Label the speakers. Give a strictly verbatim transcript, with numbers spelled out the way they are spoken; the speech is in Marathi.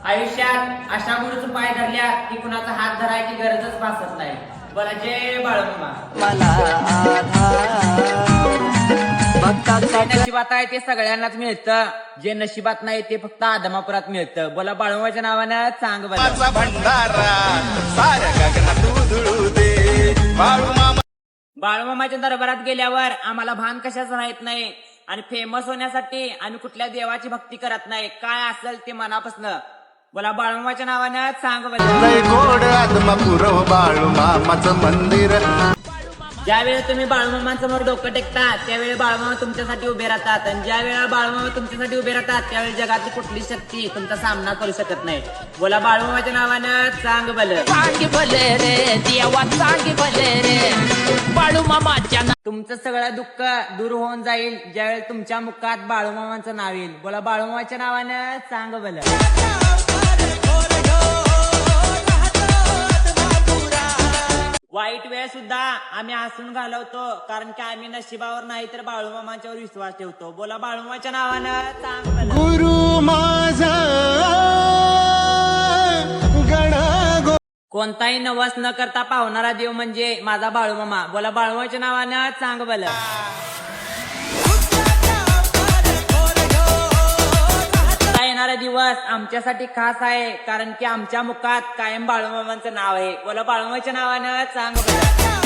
Speaker 1: आयुष्यात अशा गुरुचं पाय धरल्या की कुणाचा हात धरायची गरजच भासत नाही. बोला जय बाळूमामा.
Speaker 2: मला
Speaker 1: जे नशिबात आहे ते सगळ्यांनाच मिळतं, जे नशिबात नाही ते फक्त आदमापुरात मिळतं. बोला बाळूमामाच्या नावानं चांग बजा. बाळूमामाच्या दरबारात गेल्यावर आम्हाला भान कशाच राहत नाही आणि फेमस होण्यासाठी आम्ही कुठल्या देवाची भक्ती करत नाही. काय असेल ते मनापासून बोला बाळूमामाच्या नावानं चांग बजा.
Speaker 3: गोड आदमापुरव बाळूमामाचं मंदिर.
Speaker 1: ज्यावेळी तुम्ही बाळूमामांसमोर डोकं टेकता त्यावेळी बाळूमामा तुमच्यासाठी उभे राहतात, आणि ज्या वेळेला बाळूमामा तुमच्यासाठी उभे राहतात त्यावेळी जगातली कुठली शक्ती तुमचा सामना करू शकत नाही. बोला बाळूमामाच्या नावानं चांग बल.
Speaker 2: चांग भले रे देवा, चांग भले रे बाळूमामाच्या.
Speaker 1: तुमचं सगळं दुःख दूर होऊन जाईल ज्यावेळी तुमच्या मुखात बाळूमामांचं नाव येईल. बोला बाळूमामाच्या नावानं चांग बल. वाईट वेळ सुद्धा आम्ही हसून घालवतो, कारण की आम्ही नशिबावर नाही तर बाळूमामांच्यावर विश्वास ठेवतो. बोला बाळूमामाच्या नावानं चांग बल.
Speaker 3: गुरु माझा गणा.
Speaker 1: कोणताही नवस न करता पावणारा देव म्हणजे माझा बाळूमामा. बोला बाळूमामाच्या नावानं चांग बल. येणारा दिवस आमच्यासाठी खास आहे, कारण की आमच्या मुखात कायम बाळूमामांचं नाव आहे. बोला बाळूमामाच्या नावानं चांग बल.